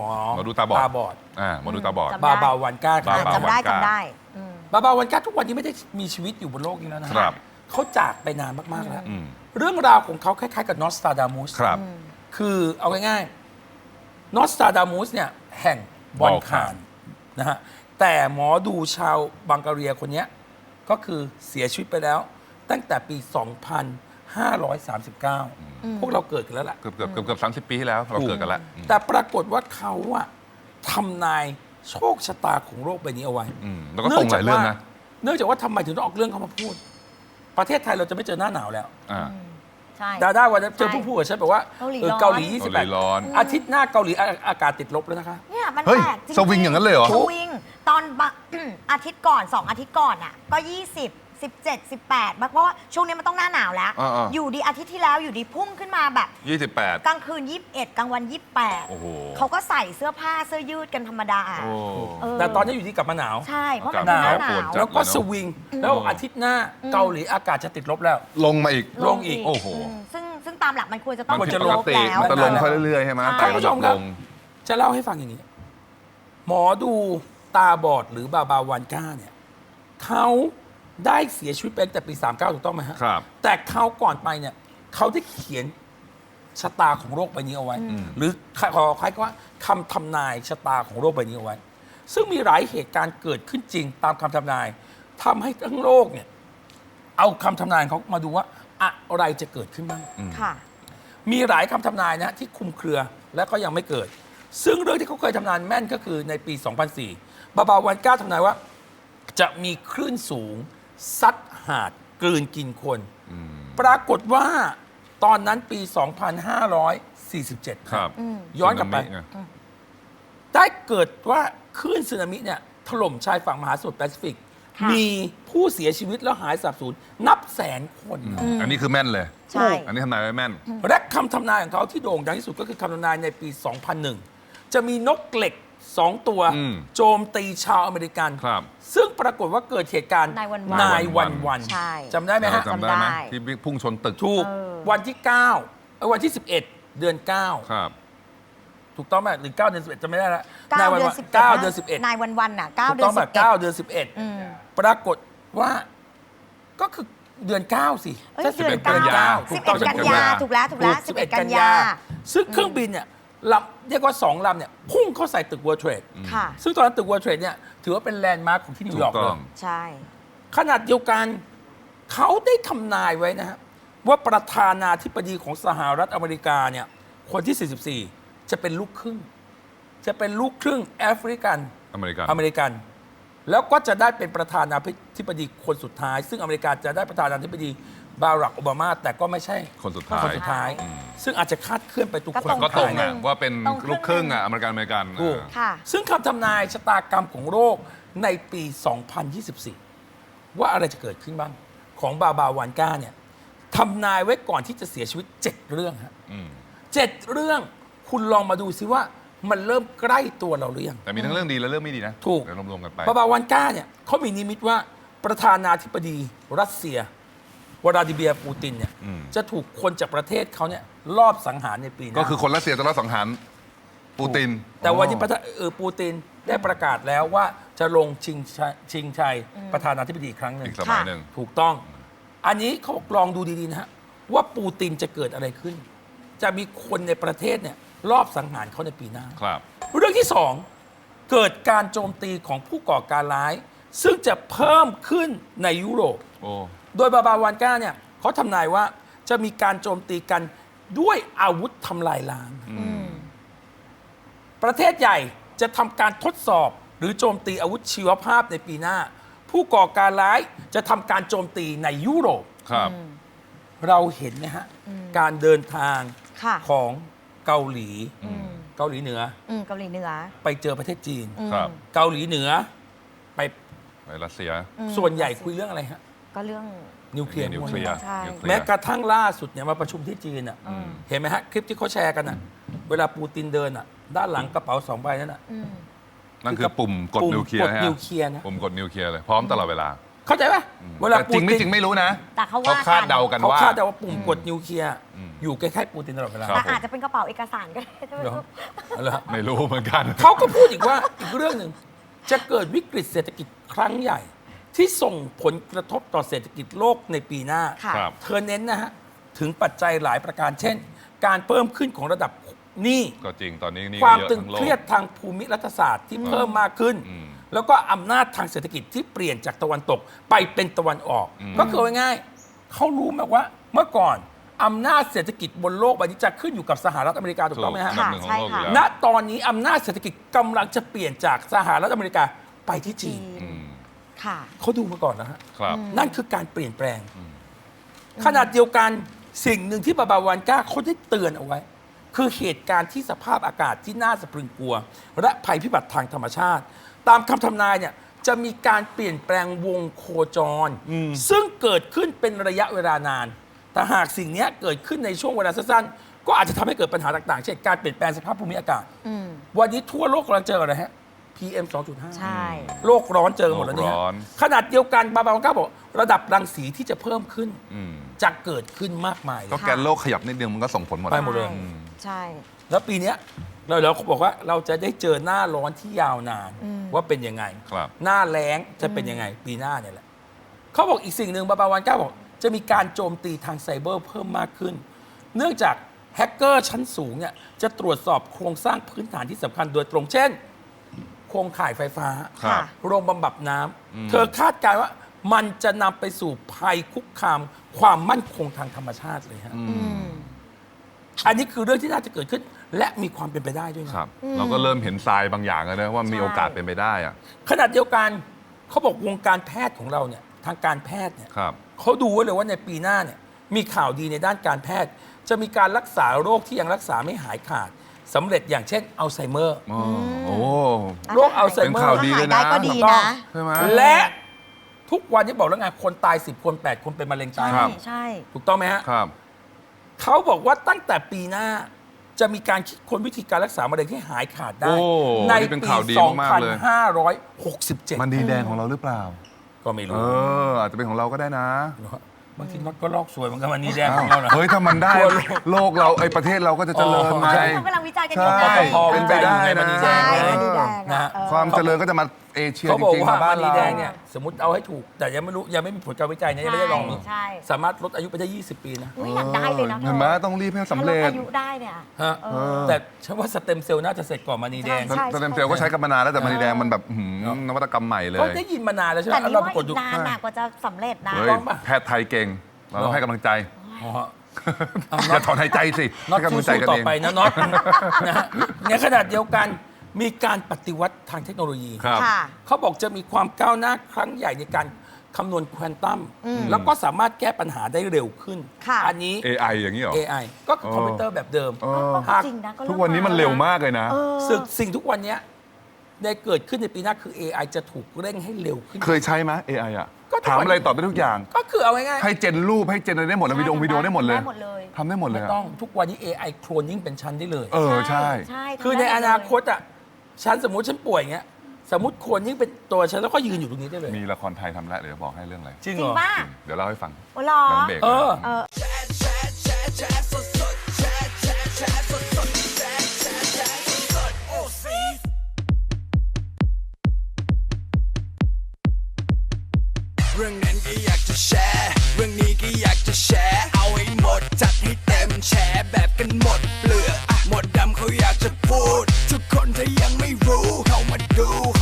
มอดูตาบอดหมอดูตาบอดบาบาวันก้าจำได้บาบาวันก้าทุกวันนี้ไม่ได้มีชีวิตอยู่บนโลกนี้แล้วนะครับ เขาจากไปนานมากๆแล้วเรื่องราวของเขาคล้ายๆกับนอสตราดามุสคือเอาง่ายๆนอสตราดามุสเนี่ยแห่งบอลคานนะฮะแต่หมอดูชาวบังการีคนนี้ก็คือเสียชีวิตไปแล้วตั้งแต่ปี 2539 พวกเราเกิดกันแล้วล่ะเกือบ30 ปีที่แล้วเราเกิดกันแล้วแต่ปรากฏว่าเขาอะทำนายโชคชะตาของโลกใบนี้เอาไว้แล้วก็ตรงหลายเรื่องนะเนื่องจากว่าทำไมถึงต้องออกเรื่องเขามาพูดประเทศไทยเราจะไม่เจอหน้าหนาวแล้วใช่ดาด้าวันนั้นเจอผู้พูดกับฉันบอกว่าเกาหลี28 ร้อนอาทิตย์หน้าเกาหลีอากาศติดลบแล้วนะคะเนี่ยมันเฮ้ยแปลกจริงสวิงอย่างนั้นเลยเหรอสวิงตอนอาทิตย์ก่อน2 อาทิตย์ก่อนอ่ะก็20 17 18เพราะว่าช่วงนี้มันต้องหน้าหนาวแล้วอยู่ดีอาทิตย์ที่แล้วอยู่ดีพุ่งขึ้นมาแบบ 28 กลางคืน21กลางวัน28เขาก็ใส่เสื้อผ้าเสื้อยืดกันธรรมดาแต่ตอนนี้อยู่ดีกลับมาหนาวใช่เพราะมันหนาวแล้วก็สวิงแล้วอาทิตย์หน้าเกาหลีอากาศจะติดลบแล้วลงมาอีกโอ้โหซึ่งตามหลักมันควรจะต้องจะลบแล้วมันจะลงค่อยเรื่อยๆใช่ไหมท่านผู้ชมครับจะเล่าให้ฟังอย่างนี้หมอดูตาบอดหรือบาบาวันก้าเนี่ยเขาได้เสียชีวิตไปตั้งแต่ปี39ถูกต้องไหมฮะครับแต่เขาก่อนไปเนี่ยเขาได้เขียนชะตาของโลกใบนี้เอาไว้หรือขอคล้ายๆว่าคำทำนายชะตาของโลกใบนี้เอาไว้ซึ่งมีหลายเหตุการณ์เกิดขึ้นจริงตามคำทำนายทำให้ทั้งโลกเนี่ยเอาคำทำนายเขามาดูว่าอะไรจะเกิดขึ้นบ้างมีหลายคำทำนายนะที่คลุมเครือและก็ยังไม่เกิดซึ่งเรื่องที่เขาเคยทำนายแม่นก็คือในปี 2004 บาบาวันก้าทำนายว่าจะมีคลื่นสูงซัดหาดกลืนกินคนปรากฏว่าตอนนั้นปี 2547 ครับย้อนกลับไปได้เกิดว่าคลื่นสึนามิเนี่ยถล่มชายฝั่งมหาสมุทรแปซิฟิกมีผู้เสียชีวิตแล้วหายสาบสูญนับแสนคนอันนี้คือแม่นเลยใช่อันนี้ทำนายไว้แม่นและคำทำนายของเขาที่โด่งดังที่สุดก็คือคำทำนายในปี 2001 จะมีนกเหล็ก2 ตัวโจมตีชาวอเมริกันซึ่งปรากฏว่าเกิดเหตุการณ์นายวันจำได้ไหมฮะจำได้ไหมที่พุ่งชนตึกถูกวันที่9วันที่11 เดือน9 ครับถูกต้องไหมหรือ9 เดือน 11จำไม่ได้แล้ว 9 เดือน 11นายวันน่ะ9 เดือน 11 9 เดือน 11ปรากฏว่าก็คือเดือน9สิเดือน9 11 กันยาถูกแล้ว11 กันยาซึ่งเครื่องบินเนี่ยเรียกว่า2 ลำเนี่ยพุ่งเข้าใส่ตึก World Trade ซึ่งตอนนั้นตึก World Trade เนี่ยถือว่าเป็นแลนด์มาร์คของที่นิวยอร์กเลยใช่ขนาดเดียวกันเขาได้ทำนายไว้นะฮะว่าประธานาธิบดีของสหรัฐอเมริกาเนี่ยคนที่ 44 จะเป็นลูกครึ่งแอฟริกันอเมริกันแล้วก็จะได้เป็นประธานาธิบดีคนสุดท้ายซึ่งอเมริกาจะได้ประธานาธิบดีบารักโอบามาแต่ก็ไม่ใช่คนสุดท้ายซึ่งอาจจะคาดเคลื่อนไปทุกคนก็ตรงนะว่าเป็นลูกครึ่งอเมริกันซึ่งคำทำนายชะตากรรมของโลกในปี 2024 ว่าอะไรจะเกิดขึ้นบ้างของบาบาวันก้าเนี่ยทำนายไว้ก่อนที่จะเสียชีวิต7 เรื่องฮะ7 เรื่องคุณลองมาดูซิว่ามันเริ่มใกล้ตัวเราหรือยังแต่มีทั้งเรื่องดีและเรื่องไม่ดีนะถูกรวมๆกันไปบาบาวันก้าเนี่ยเขามีนิมิตว่าประธานาธิบดีรัสเซียวลาดิเมียร์ปูตินเนี่ยจะถูกคนจากประเทศเขาเนี่ยลอบสังหารในปีหน้าก็คือคนรัสเซียจะลอบสังหารปูตินแต่วันนี้ปูตินได้ประกาศแล้วว่าจะลงชิงชัยประธานาธิบดีอีกครั้งหนึ่งอีกสมัยหนึ่งถูกต้องอันนี้เขาลองดูดีๆนะฮะว่าปูตินจะเกิดอะไรขึ้นจะมีคนในประเทศเนี่ยลอบสังหารเขาในปีหน้าเรื่องที่2เกิดการโจมตีของผู้ก่อการร้ายซึ่งจะเพิ่มขึ้นในยุโรปโดยบาบาวันก้าเนี่ยเขาทำนายว่าจะมีการโจมตีกันด้วยอาวุธทำลายล้างประเทศใหญ่จะทำการทดสอบหรือโจมตีอาวุธชีวภาพในปีหน้าผู้ก่อการร้ายจะทำการโจมตีในยุโรปเราเห็นไหมฮะการเดินทางของเกาหลีเหนือไปเจอประเทศจีนเกาหลีเหนือไปรัสเซียส่วนใหญ่คุยเรื่องอะไรฮะก็เรื่องนิวเคลียร์แม้กระทั่งล่าสุดเนี่ยมาประชุมที่จีนอ่ะเห็นไหมฮะคลิปที่เขาแชร์กันอ่ะเวลาปูตินเดินอ่ะด้านหลังกระเป๋า2 ใบนั่นอ่ะนั่นคือปุ่มกดนิวเคลียร์นะปุ่มกดนิวเคลียร์เลยพร้อมตลอดเวลาเข้าใจป่ะเวลาจริงไม่จริงไม่รู้นะแต่เขาคาดเดากันว่าเขาคาดเดาว่าปุ่มกดนิวเคลียร์อยู่ใกล้ๆปูตินตลอดเวลาครับแต่อาจจะเป็นกระเป๋าเอกสารก็ได้เดี๋ยวเอาละไม่รู้เหมือนกันเขาก็พูดอีกว่าอีกเรื่องหนึ่งจะเกิดวิกฤตเศรษฐกิจครั้งใหญ่ ที่ส่งผลกระทบต่อเศรษฐกิจโลกในปีหน้าค่ะครับเธอเน้นนะฮะถึงปัจจัยหลายประการเช่น การเพิ่มขึ้นของระดับหนี้ก็จริงตอนนี้นี่ความเยอะตึงทั้งโลเคกรียดทางภูมิรัฐศาสตร์ที่เพิ่มมากขึ้นอืมแล้วก็อำนาจทางเศรษฐกิจที่เปลี่ยนจากตะวันตกไปเป็นตะวันออก ก็คือง่ายๆเขารู้ไหมว่าเมื่อก่อนอำนาจเศรษฐกิจบนโลกใบนี้จะขึ้นอยู่กับสหรัฐอเมริกาถูกต้องไหมฮะอันดับหนึ่งของโลกอยู่ค่ะแล้วณตอนนี้อำนาจเศรษฐกิจกำลังจะเปลี่ยนจากสหรัฐอเมริกาไปที่จีจีนนอืมค่ะเขาดูมาก่อนแล้วฮะครับนั่นคือการเปลี่ยนแปลง ขนาดเดียวกันสิ่งหนึ่งที่บาบาวันก้าเขาได้เตือนเอาไว้ คือเหตุการณ์ที่สภาพอากาศที่น่าสะพรึงกลัว และภัยพิบัติทางธรรมชาติ ตามคำทำนายเนี่ยจะมีการเปลี่ยนแปลงวงโคจร ซึ่งเกิดขึ้นเป็นระยะเวลานาน แต่หากสิ่งนี้เกิดขึ้นในช่วงเวลาสั้นๆก็อาจจะทำให้เกิดปัญหาต่างๆเช่นการเปลี่ยนแปลงสภาพภูมิอากาศอืมวันนี้ทั่วโลกกำลังเจออะไรฮะ PM 2.5 ใช่โลกร้อนเจอหมดแล้วเนี่ยโลกร้อนขนาดเดียวกันบาบาวันก้าบอกระดับรังสีที่จะเพิ่มขึ้นอืมจะเกิดขึ้นมากมายเลก็ยแกนโลกขยับนิดนึงมันก็ส่งผลหมดไปหมดเลยใช่แล้วปีเนี้ยเราบอกว่าเราจะได้เจอหน้าร้อนที่ยาวนาน ว่าเป็นยังไงครับหน้าแล้งจะเป็นยังไง ปีหน้าเนี่ยแหละเขาบอกอีกสิ่งหนึ่งบาบาวันก้าบอกจะมีการโจมตีทางไซเบอร์เพิ่มมากขึ้น เนื่องจากแฮกเกอร์ชั้นสูงเนี่ยจะตรวจสอบโครงสร้างพื้นฐานที่สำคัญโดยตรงเช่น โครงข่ายไฟฟ้าครับโรงบำบัดน้ำเธอคาดการณ์ว่ามันจะนำไปสู่ภัยคุกคามความมั่นคงทางธรรมชาติเลยฮะอืมอันนี้คือเรื่องที่น่าจะเกิดขึ้น และมีความเป็นไปได้ด้วยนะครับเราก็เริ่มเห็นทรายบางอย่างแล้วนะว่ามีโอกาสเป็นไปได้อะขณะเดียวกันเขาบอกวงการแพทย์ของเราเนี่ยทางการแพทย์เนี่ยครับเขาดูไว้เลยว่าในปีหน้าเนี่ยมีข่าวดีในด้านการแพทย์ จะมีการรักษาโรคที่ยังรักษาไม่หายขาดสำเร็จอย่างเช่นอัลไซเมอร์อ๋อโอ้โรคอัลไซเมอเป็นข่าวร์ดีหายได้ก็ดีนะใช่ไหมและทุกวันนี้บอกแล้วไงคนตาย 10 คน 8 คนเป็นมะเร็งตายใช่ ใช่ถูกต้องไหมฮะครับเขาบอกว่าตั้งแต่ปีหน้าจะมีการคิดค้นวิธีการรักษามะเร็งให้หายขาดได้โอ้ในนี่เป็นปีข่าวดีมากๆเลย 2567 มันดีแดงของเราหรือเปล่าก็ไม่เอรู้อ อาจจะเป็นของเราก็ได้นะบางทีน็อตก็ลอกสวยเหมือนกันมันนี่แดงของเราเหรอเฮ้ย ถ้ามันได้ โลกเราไอ้ประเทศเราก็จะเจริญไงใช่เขากำลังวิจัยกันอยู่ใช่ไงเป็นไปได้นะใช่มันดีแดงนะอะฮะความเจริญก็จะมาเอเชียเขาจบอกริงๆว่ามาบ้านมันนี่เราแดงเนี่ยสมมติเอาให้ถูก แต่ยังไม่รู้ยังไม่มีผลการวิจัยนะยังไม่ได้ลองใช่สามารถลดอายุไปได้ 20 ปีนะอุ๊ยอยากได้เลยนะเห็นไหมต้องรีบให้สำเร็จถ้าลดอายุได้เนี่ยฮะเออแต่ฉันว่าสเต็มเซลล์น่าจะเสร็จก่อนมานีแดงใช่สเต็มเซลล์ก็ใช้กันมานานแล้วแต่มันดีแดงมันแบบนวัตกรรมใหม่เลก็ยได้ยินมานานแล้วใช่ไหมแต่นี่เราว่าปรากฏอีดูกนานน่ะกว่าจะสำเร็จนะเฮ้ยต้องปะแพทย์ไทยเก่ง เราต้องให้กำลังใจอ๋ออย่าถอนหายใจสิน็อตให้กำลังใจสู้กันๆต่อเองไปนะน็อต นะฮะในขณะเดียวกันมีการปฏิวัติทางเทคโนโลยีครับค่ะเขาบอกจะมีความก้าวหน้าครั้งใหญ่ในการคำนวณควอนตัมแล้วก็สามารถแก้ปัญหาได้เร็วขึ้นค่ะอันนี้ AI อย่างนี้เหรอ AI ก็คือคอมพิวเตอร์แบบเดิมเออก็จริงนะก็ทุกวันนี้มันเร็วมากเลยนะเออสิ่งทุกวันเนี้ยได้เกิดขึ้นในปีหน้าคือ AI จะถูกเร่งให้เร็วขึ้นเคยใช้ไหม AI อ่ะก็ทุกวันถามอะไรตอบได้ทุกอย่างก็คือเอาง่ายให้เจนรูปให้เจนอะไรได้หมดแล้ววิดีโอได้หมดเลยได้หมดเลยทำได้หมดๆเลไม่ยอะต้องทุกวันนี้ AI โคลนนิ่งเป็นชั้นได้เลยเออใช่ใช่คือในอนาคตอ่ะฉันสมมติฉันป่วยอย่างเงี้ยสมมติโคลนนิ่งเป็นตัวฉันแล้วก็ยืนอยู่ตรงนี้ได้เลยมีละครไทยทำแล้วเดี๋ยวบอกให้เรื่องอะไรจริงจริเหงรอป่ะจริงเดี๋ยวเล่าให้ฟังโอ้หรอหลังเบรกเออเออเรื่องนั้นก็อยากจะแชร์ เรื่องนี้ก็อยากจะแชร์ เอาให้หมดจัดให้เต็มแชร์แบบกันหมดเปลือกหมดดำเขาอยากจะพูด ทุกคนถ้ายังไม่รู้เข้ามาดู